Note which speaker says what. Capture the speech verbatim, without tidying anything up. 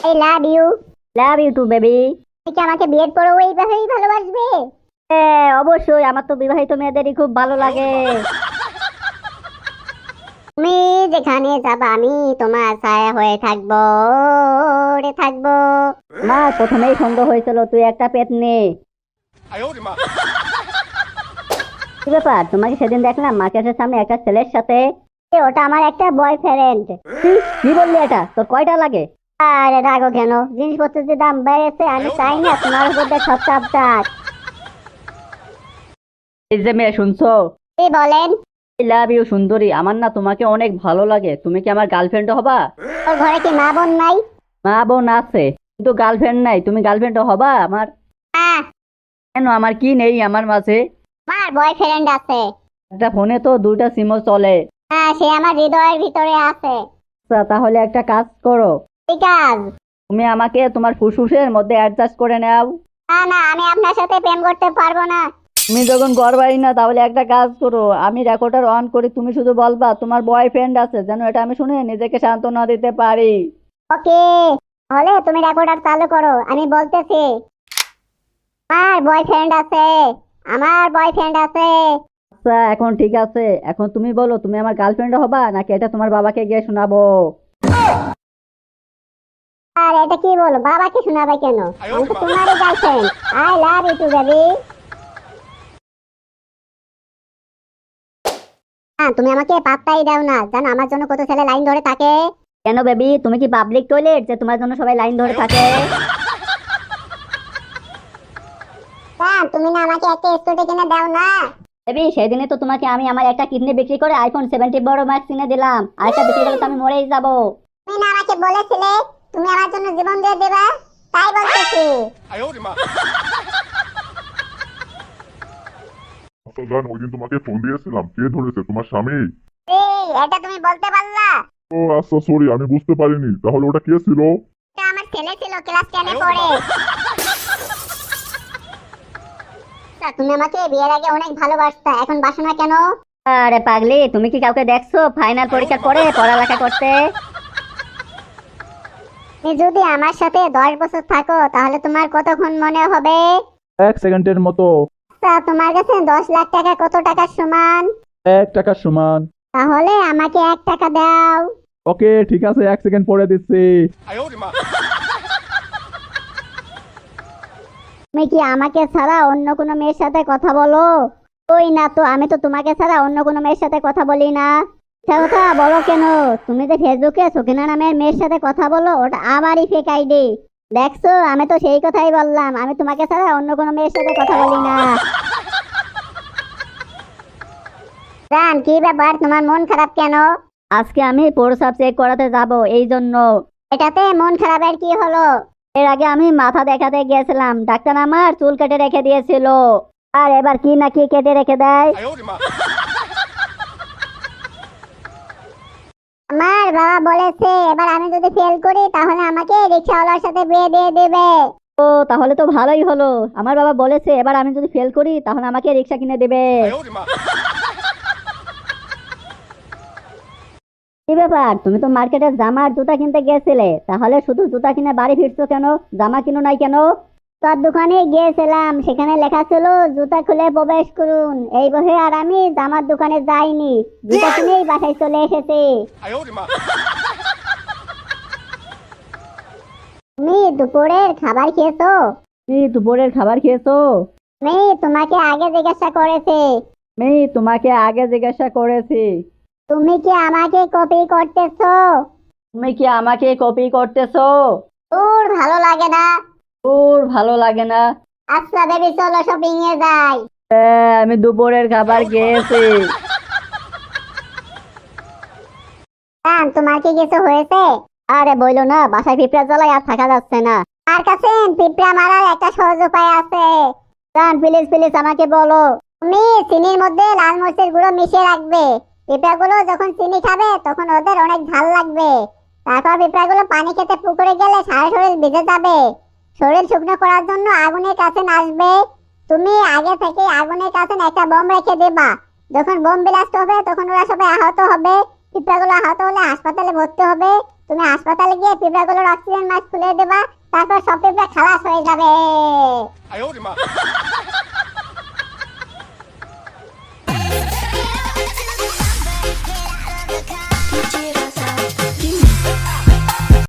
Speaker 1: I love you.
Speaker 2: Love you too baby.
Speaker 1: তুমি কি আমাকে বিয়ের পরেও এইভাবেই ভালোবাসবে?
Speaker 2: হ্যাঁ অবশ্যই, আমার তো বিবাহিত মেয়েদেরই খুব ভালো লাগে।
Speaker 1: তুমি যেখানে যাবা আমি তোমার ছায়া হয়ে থাকবো, ওরে থাকবো।
Speaker 2: আমার প্রথমেই সন্দেহ হয়েছিল তুই একটা পেতনি। কি ব্যাপার, তোমাকে সেদিন দেখলাম মার্কেটের সামনে একটা ছেলের সাথে।
Speaker 1: এ, ওটা আমার একটা বয়ফ্রেন্ড।
Speaker 2: কি বললি? এটা তোর কয়টা লাগে?
Speaker 1: আরে রাগো কেন? জিনিসপত্রের যে দাম বেড়েছে, আমি চাই না তোমার উপর দিয়ে সব চাপ যাক।
Speaker 2: এই যে মেয়ে শুনছো?
Speaker 1: কি বলেন?
Speaker 2: লাভ ইউ সুন্দরী, আমার না তোমাকে অনেক ভালো লাগে। তুমি কি আমার গার্লফ্রেন্ড হবা?
Speaker 1: ওর ঘরে কি মা বোন নাই?
Speaker 2: মা বোন আছে কিন্তু গার্লফ্রেন্ড নাই। তুমি গার্লফ্রেন্ড হবা আমার?
Speaker 1: হ্যাঁ,
Speaker 2: কেন, আমার কি নেই আমার মাঝে?
Speaker 1: আমার বয়ফ্রেন্ড আছে।
Speaker 2: একটা ফোনে তো দুইটা সিমও চলে।
Speaker 1: হ্যাঁ, সে আমার হৃদয়ের ভিতরে আছে।
Speaker 2: আচ্ছা, তাহলে একটা কাজ করো,
Speaker 1: ঠিক আছে।
Speaker 2: তুমি আমাকে তোমার ফুসফুসের মধ্যে অ্যাডজাস্ট করে নাও।
Speaker 1: না না, আমি আপনার সাথে প্রেম করতে পারবো না।
Speaker 2: তুমি যখন ঘর বাড়ি না, তাহলে একটা কাজ করো, আমি রেকর্ডার অন করি, তুমি শুধু বলবা তোমার বয়ফ্রেন্ড আছে, যেন এটা আমি শুনে নিজেকে সান্ত্বনা দিতে পারি।
Speaker 1: ওকে, তাহলে তুমি রেকর্ডার চালু করো, আমি বলতেছি। আমার বয়ফ্রেন্ড আছে, আমার বয়ফ্রেন্ড আছে।
Speaker 2: আচ্ছা এখন ঠিক আছে, এখন তুমি বলো তুমি আমার গার্লফ্রেন্ড হবা নাকি এটা তোমার বাবাকে গিয়ে শোনাবো?
Speaker 1: আর এটা কি বলো, বাবাকে শোনাবে কেন? আমি তো তোমারই girlfriend. I love you too baby. হ্যাঁ, তুমি আমাকে পাত্তাই দাও না, জানো আমার জন্য কত ছেলে লাইন ধরে থাকে।
Speaker 2: কেন বেবি, তুমি কি পাবলিক টয়লেট যে তোমার জন্য সবাই লাইন ধরে থাকে?
Speaker 1: হ্যাঁ, তুমি না আমাকে একটা স্কুটি কিনে দাও না?
Speaker 2: বেবি, সেদিনে তো তোমাকে আমি আমার একটা কিডনি বিক্রি করে আইফোন সেভেন্টি বড় ম্যাক্স কিনে দিলাম, আর একটা বিক্রি করলে তো আমি মরেই যাবো।
Speaker 1: তুমি না আমাকে বলেছিলে তুমি আমার জন্য জীবন দিয়ে দেবা, তাই বলতেছি।
Speaker 3: আচ্ছা জান, ওই দিন তোমাকে ফোন দিয়েছিলাম, কে ধরেছে? তোমার স্বামী?
Speaker 1: এই, এটা তুমি বলতে পারলা?
Speaker 3: ও আচ্ছা, সরি, আমি বুঝতে পারিনি। তাহলে ওটা কে ছিল?
Speaker 1: এটা আমার ছেলে ছিল, ক্লাস টেনে পড়ে। তা তুমি আমাকে বিয়ের আগে অনেক ভালোবাসতা, এখন বাসো না কেন?
Speaker 2: আরে পাগলি, তুমি কি কাউকে দেখছো ফাইনাল পরীক্ষার পরে পড়ালেখা করতে?
Speaker 1: তুমি যদি আমার সাথে দশ বছর থাকো তাহলে তোমার কতক্ষণ মনে হবে?
Speaker 4: এক সেকেন্ডের মতো।
Speaker 1: তা তোমার কাছে দশ লাখ টাকা কত টাকার সমান?
Speaker 4: এক টাকার সমান।
Speaker 1: তাহলে আমাকে এক টাকা দাও।
Speaker 4: ওকে ঠিক আছে, এক সেকেন্ড পরে দিচ্ছি।
Speaker 1: তুমি কি আমাকে ছাড়া অন্য কোনো মেয়ের সাথে কথা বলো? ওই না তো, আমি তো তোমাকে ছাড়া অন্য কোনো মেয়ের সাথে কথা বলি না। সে কথা বলো কেন? তুমি যে ফেসবুকে সকিনা নামের মেয়ের সাথে কথা বলো, ওটা আমারই ফেক আইডি। দেখছো, আমি তো সেই কথাই বললাম, আমি তোমাকে ছাড়া অন্য কোনো মেয়ের সাথে কথা বলি না। জান, কি ব্যাপার, তোমার মন খারাপ কেন?
Speaker 2: আজকে আমি প্রস্রাব চেক করাতে যাব, এই জন্য।
Speaker 1: এটাতে মন খারাপের কি হলো?
Speaker 2: এর আগে আমি মাথা দেখাতে গিয়েছিলাম, ডাক্তার আমার চুল কেটে রেখে দিয়েছিল, আর এবার কি না কি কেটে রেখে দেয়।
Speaker 1: আমার বাবা বলেছে এবার আমি যদি ফেল করি তাহলে আমাকে রিকশাওয়ালার সাথে বিয়ে দিয়ে দেবে।
Speaker 2: ও তাহলে তো ভালোই হলো, আমার বাবা বলেছে এবার আমি যদি ফেল করি তাহলে আমাকে রিক্সা কিনে দেবে। কি ব্যাপার, তুমি তো মার্কেটে জামা আর জুতা কিনতে গিয়েছিলে, তাহলে শুধু জুতা কিনে বাড়ি ফিরছো কেন? জামা কিনো নাই কেন?
Speaker 1: তোর দোকানে গিয়েছিলাম, সেখানে লেখা ছিল জুতা খুলে প্রবেশ করুন, এই বসে আর আমি জামার দোকানে যাইনি, জুতা কিনেই বাসায় চলে এসেছি। তুমি দুপুরের খাবার খেয়েছো?
Speaker 2: কি দুপুরের খাবার খেয়েছো?
Speaker 1: আমি তোমাকে আগে জিজ্ঞাসা করেছি।
Speaker 2: আমি তোমাকে আগে জিজ্ঞাসা করেছি।
Speaker 1: তুমি কি আমাকে কপি করতেছো?
Speaker 2: তুমি কি আমাকে কপি করতেছো?
Speaker 1: তোর ভালো লাগে না?
Speaker 2: তোর ভালো লাগে না?
Speaker 1: আচ্ছা বেবি, চলো শপিং এ যাই।
Speaker 2: হ্যাঁ, আমি দুপুরের খাবার খেয়েছি।
Speaker 1: জান, তোমার কি কিছু হয়েছে?
Speaker 2: আরে বইলো না, বাসায় পিঁপড়া জ্বালায় আর থাকা যাচ্ছে না।
Speaker 1: আর কাছে পিঁপড়া মারার একটা সহজ উপায় আছে।
Speaker 2: জান প্লিজ প্লিজ আমাকে বলো।
Speaker 1: তুমি চিনির মধ্যে লাল মরিচের গুঁড়ো মিশিয়ে রাখবে। পিঁপড়াগুলো যখন চিনি খাবে তখন ওদের অনেক ঝাল লাগবে। তারপর পিঁপড়াগুলো পানি খেতে পুকুরে গেলে সারা শরীর ভিজে যাবে। শরীর শুকনো করার জন্য আগুনের কাছে আসবে। তুমি আগে থেকে আগুনের কাছে একটা বোম রেখে দেবা। যখন বোম ব্লাস্ট হবে তখন ওরা সবাই আহত হবে। পিঁপড়াগুলো আহত হলে হাসপাতালে ভর্তি হবে। তুমি হাসপাতালে গিয়ে পিঁপড়াগুলোর অক্সিজেন মাস্ক খুলে দেবা, তারপর সব পিঁপড়া খালাস হয়ে যাবে।